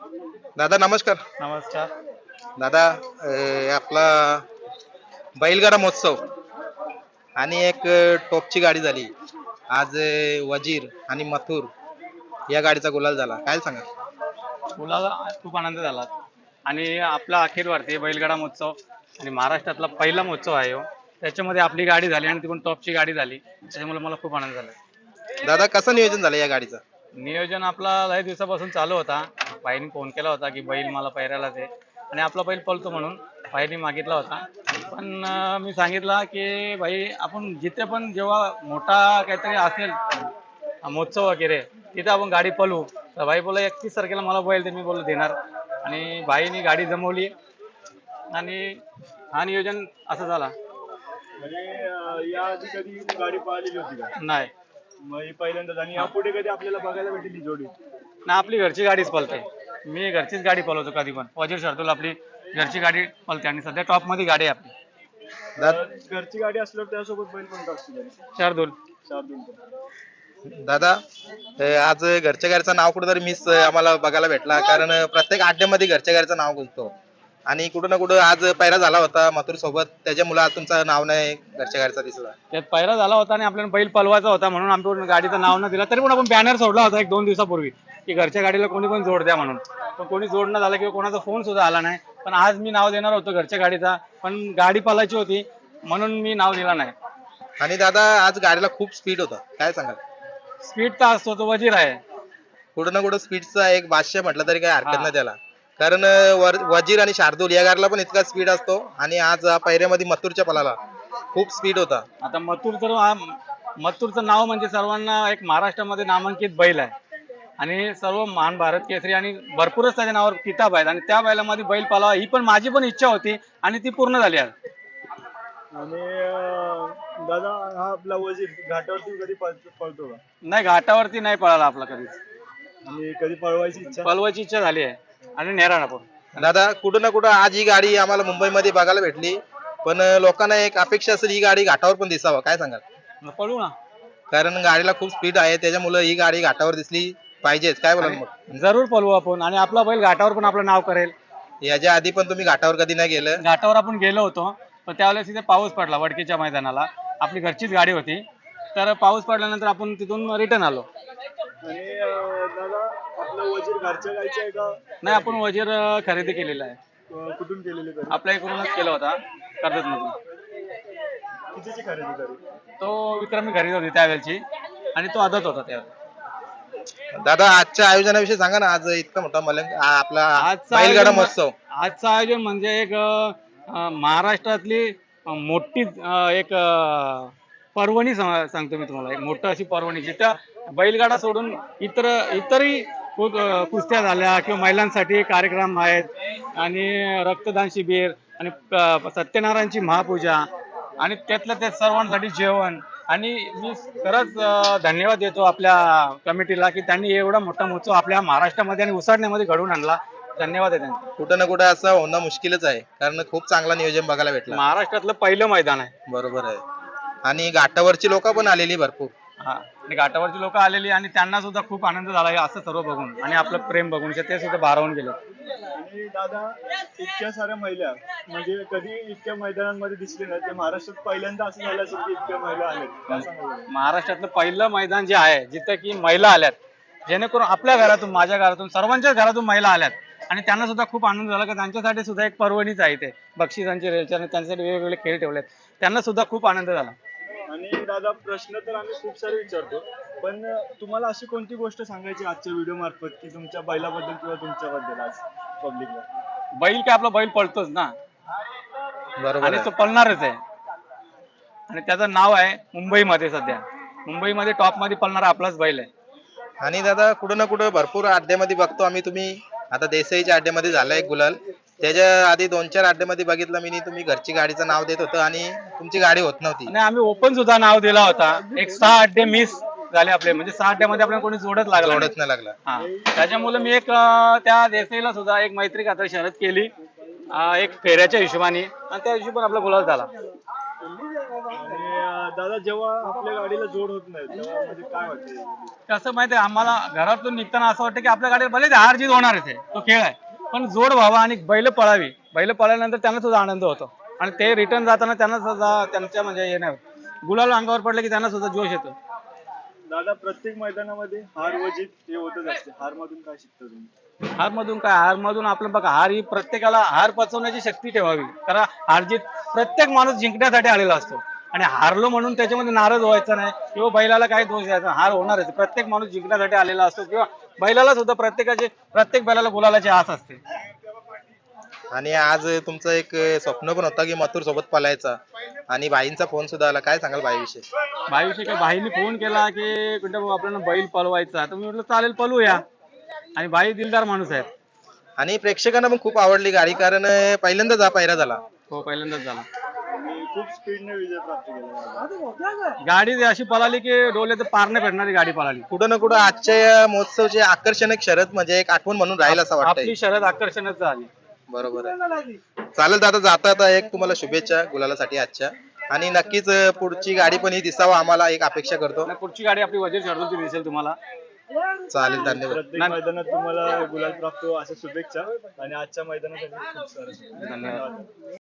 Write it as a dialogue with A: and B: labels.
A: दादा नमस्कार.
B: नमस्कार.
A: दादा आपला बैलगाडा महोत्सव आणि एक टॉपची गाडी झाली आज वजीर आणि मथुर या गाडीचा गुलाल झाला, काय सांगा?
B: मुलाला खूप आनंद झाला आणि आपला अखिल भारतीय बैलगाडा महोत्सव आणि महाराष्ट्रातला पहिला महोत्सव आहे हो. त्याच्यामध्ये आपली गाडी झाली आणि ती पण टॉपची गाडी झाली, त्याच्यामुळे मला खूप आनंद झाला.
A: दादा कसं नियोजन झालं या गाडीचं?
B: नियोजन आपला लय दिवसापासून चालू होता. बाईने फोन केला होता की बैल मला पैरायला दे आणि आपला बैल पळतो म्हणून बाईने मागितला होता. पण मी सांगितलं की भाई आपण जिथे पण जेव्हा मोठा काहीतरी असेल महोत्सव वगैरे तिथे आपण गाडी पळवू. तर भाई बोला 31 तारखेला मला बैल ते मी बोललो देणार आणि भाईनी गाडी जमवली आणि हा नियोजन असं झाला.
C: म्हणजे या आधी कधी गाडी पळालेली होती का?
B: नाही
C: मग ही पहिल्यांदाच. आणि यापुढे कधी आपल्याला बघायला भेटेल ही जोडी?
B: ना, आपली घरची गाडीच पळते. मी घरचीच गाडी पळवतो कधी पण. वजीर शर्दूल आपली घरची गाडी पळते आणि सध्या टॉप मध्ये गाडी आहे आपली.
C: घरची गाडी असल्यावर त्यासोबत बैल पण असतो
B: शार्दूल.
A: दादा आज घरच्या गाडीचं नाव कुठेतरी मिस आम्हाला बघायला भेटला, कारण प्रत्येक अड्ड्यामध्ये घरच्या गाडीचं नाव गुंजतो आणि कुठं ना कुठं आज पैरा झाला होता मथुर सोबत, त्याच्यामुळे आज तुमचं नाव नाही घरच्या गाडीचा दिसला.
B: त्यात पैरा झाला होता आणि आपल्याला बैल पळवायचा होता म्हणून आमच्या गाडीचं नाव न दिला. तरी पण आपण बॅनर सोडला होता 1-2 दिवसापूर्वी की घरच्या गाडीला कोणी पण जोड द्या म्हणून. पण कोणी जोड न झाला किंवा कोणाचा फोन सुद्धा आला नाही. पण आज मी नाव देणार होतो घरच्या गाडीचा, पण गाडी पळायची होती म्हणून मी नाव दिला नाही.
A: आणि दादा आज गाडीला खूप स्पीड होता, काय सांगाल?
B: स्पीड तर असतो, तो वजीर आहे.
A: कुठं ना कुठं स्पीडचा एक भाष्य म्हटलं तरी काही हरकत नाही त्याला, कारण वजीर आणि शार्दूल या गाडीला पण इतका स्पीड असतो आणि आज पैऱ्यामध्ये मथुरच्या पलाला खूप स्पीड होता.
B: आता मथुरचं नाव म्हणजे सर्वांना एक महाराष्ट्रामध्ये नामांकित बैल आहे आणि सर्व महान भारत केसरी आणि भरपूरच त्याच्या नावावर किताब आहेत आणि त्या बैलामध्ये बैल पालावा ही पण माझी पण इच्छा होती आणि ती पूर्ण झाली आज.
C: आणि दादा हा आपला वजीर घाटावरती कधी पळतो का?
B: नाही, घाटावरती नाही पळाला आपला कधीच.
C: आणि कधी पळवायची इच्छा?
B: पळवायची इच्छा झाली आहे आणि नेराणा पण.
A: दादा कुठं ना कुठं आज ही गाडी आम्हाला मुंबईमध्ये बघायला भेटली, पण लोकांना एक अपेक्षा असेल ही गाडी घाटावर पण दिसावं, काय सांगाल?
B: पळू ना,
A: कारण गाडीला खूप स्पीड आहे, त्याच्यामुळे ही गाडी घाटावर दिसली पाहिजेच, काय बोलाल मग?
B: जरूर पळवू आपण आणि आपला बैल घाटावर पण आपलं नाव करेल.
A: याच्या आधी पण तुम्ही घाटावर कधी नाही गेलं?
B: घाटावर आपण गेलो होतो पण त्यावेळेस तिथे पाऊस पडला वडकीच्या मैदानाला. आपली घरचीच गाडी होती, तर पाऊस पडल्यानंतर आपण तिथून रिटर्न आलो.
C: आणि दादा आपला वजीर घरच्या गायचा आहे का?
B: नाही, आपण वजीर खरेदी केलेला आहे.
C: कुठून केलेली खरेदी?
B: आपल्या इकडूनच केला होता, कर्जत मधून.
C: कितीची खरेदी करी?
B: तो विक्रमी खरेदी होती त्यावेळेची आणि तो आदत होता त्यावेळेस.
A: दादा आजच्या आयोजनाविषयी सांगा ना, आज इतका मोठा आपला बैलगाडा महोत्सव.
B: आजचं आयोजन म्हणजे एक महाराष्ट्रातली मोठी एक पर्वणी सांगतो मी तुम्हाला. एक मोठं अशी पर्वणी जिथं बैलगाडा सोडून इतरही कुस्त्या झाल्या किंवा महिलांसाठी कार्यक्रम आहेत आणि रक्तदान शिबिर आणि सत्यनारायणची महापूजा आणि त्यातल्या त्यात सर्वांसाठी जेवण. आणि मी खरंच धन्यवाद देतो आपल्या कमिटीला की त्यांनी एवढा मोठा महोत्सव आपल्या महाराष्ट्रामध्ये आणि उसाडण्यामध्ये घडवून आणला. धन्यवाद आहे त्यांचा.
A: कुठं ना कुठं असं होणं मुश्किलच आहे, कारण खूप चांगला नियोजन बघायला भेटलं.
B: महाराष्ट्रातलं पहिलं मैदान आहे.
A: बरोबर आहे. आणि घाटावरची लोक पण आलेली भरपूर.
B: हा, आणि घाटावरची लोक आलेली आणि त्यांना सुद्धा खूप आनंद झाला असं सर्व बघून आणि आपलं प्रेम बघून ते सुद्धा भारावून गेले.
C: आणि दादा इतक्या साऱ्या महिला म्हणजे कधी इतक्या मैदानांमध्ये दिसले नाही, ते महाराष्ट्रात पहिल्यांदा असं झालं असेल की इतक्या महिला आल्या.
B: महाराष्ट्रातलं पहिलं मैदान जे आहे जिथं की महिला आल्यात, जेणेकरून आपल्या घरातून, माझ्या घरातून, सर्वांच्याच घरातून महिला आल्यात आणि त्यांना सुद्धा खूप आनंद झाला की त्यांच्यासाठी सुद्धा एक पर्वणीच आहे ते. बक्षिसांची रेलचेल आणि त्यांच्यासाठी वेगवेगळे खेळ ठेवलेत, त्यांना सुद्धा खूप आनंद झाला.
C: आणि दादा प्रश्न तर आम्ही खूप सारे विचारतो, पण तुम्हाला अशी कोणती गोष्ट सांगायची आजच्या व्हिडिओ मार्फत की तुमच्या बैलाबद्दल किंवा तुमच्याबद्दल आज पब्लिकला?
B: बैल काय आपला बैल पळतोच ना,
A: बरोबर
B: आणि
A: आहे.
B: तो पळणारच आहे आणि त्याचं नाव आहे मुंबईमध्ये. सध्या मुंबईमध्ये टॉप मध्ये पळणारा आपलाच बैल आहे.
A: आणि दादा कुठं ना कुठं भरपूर अड्ड्यामध्ये बघतो आम्ही, तुम्ही आता देसाईच्या अड्ड्यामध्ये झाला एक गुलाल, त्याच्या आधी 2-4 अड्ड्यामध्ये बघितलं मी तुम्ही घरची गाडीचं नाव देत होतं आणि तुमची गाडी होत नव्हती.
B: आणि आम्ही ओपन सुद्धा नाव दिला होता. एक 6 अड्डे मिस झाले आपले, म्हणजे 6 अड्ड्यामध्ये आपल्याला कोणी जोडत
A: नाही लागला.
B: हा, त्याच्यामुळे मी एक त्या देसाईला सुद्धा एक मैत्री खातर शर्यत केली एक फेऱ्याच्या हिशोबाने आणि त्या हिशोबाने आपला गुलाल झाला.
C: आणि दादा जेव्हा आपल्या गाडीला जोड होत नाही तेव्हा म्हणजे काय वाटतं?
B: कसं माहितीये आम्हाला घरातून निघताना असं वाटतं की आपल्या गाडीला भले हार जीत होणारच आहे, तो खेळ आहे, पण जोड व्हावा आणि बैल पळावी. बैल पळाल्यानंतर त्यांना सुद्धा आनंद होतो आणि ते रिटर्न जाताना त्यांना सुद्धा त्यांच्या म्हणजे हे नाही गुलाल अंगावर पडले की त्यांना सुद्धा जोश येतो.
C: दादा प्रत्येक मैदानामध्ये हार व जीत हे होतच असते. हार मधून काय शिकता तुम्ही?
B: हार मधून काय, हार मधून आपलं बघा, हार ही प्रत्येकाला हार पचवण्याची शक्ती ठेवावी. कारण हार जीत प्रत्येक माणूस जिंकण्यासाठी आलेला असतो आणि हारलो म्हणून त्याच्यामध्ये नाराज व्हायचं नाही किंवा बैलाला काही दोष द्यायचा नाही. हार होणारच, प्रत्येक माणूस जिंकण्यासाठी आलेला असतो किंवा बैलाला सुद्धा प्रत्येक बैलाला गुलालाची आस असते.
A: आणि आज तुमचं एक स्वप्न पण होता की मथुर सोबत पळायचा आणि भाईंचा फोन सुद्धा आला, काय सांगाल भाईविषयी?
B: भाईविषयी काय, भाईने फोन केला की कुठे भाऊ आपल्याला बैल पळवायचा, तर मी म्हटलं चालेल पळवूया. आणि भाई दिलदार माणूस आहे.
A: आणि प्रेक्षकांना पण खूप आवडली गाडी, कारण पहिल्यांदाच हा पायरा झाला.
B: हो, पहिल्यांदाच झाला.
C: आणि खूप स्पीडने विजय प्राप्त केला.
B: गाडी अशी पळाली की डोल्याचं पार नाही भेटणारी गाडी पळाली.
A: कुठं ना कुठं आजच्या या महोत्सवचे आकर्षण एक शरद म्हणजे एक आठवण म्हणून राहील असं वाटतंय.
B: आपली शर्यत आकर्षणच झाली.
A: बरोबर आहे. चालेल दादा, जाता आता एक तुम्हाला शुभेच्छा गुलालासाठी आजच्या, आणि नक्कीच पुढची गाडी पण ही दिसावं आम्हाला एक अपेक्षा करतो.
B: आणि पुढची गाडी आपली वजीर शर्यतीची दिसेल तुम्हाला.
A: चालेल, धन्यवाद.
C: प्रत्येक मैदानात तुम्हाला गुलाल प्राप्त हो अशा शुभेच्छा आणि आजच्या मैदानासाठी खूप साऱ्या
B: धन्यवाद.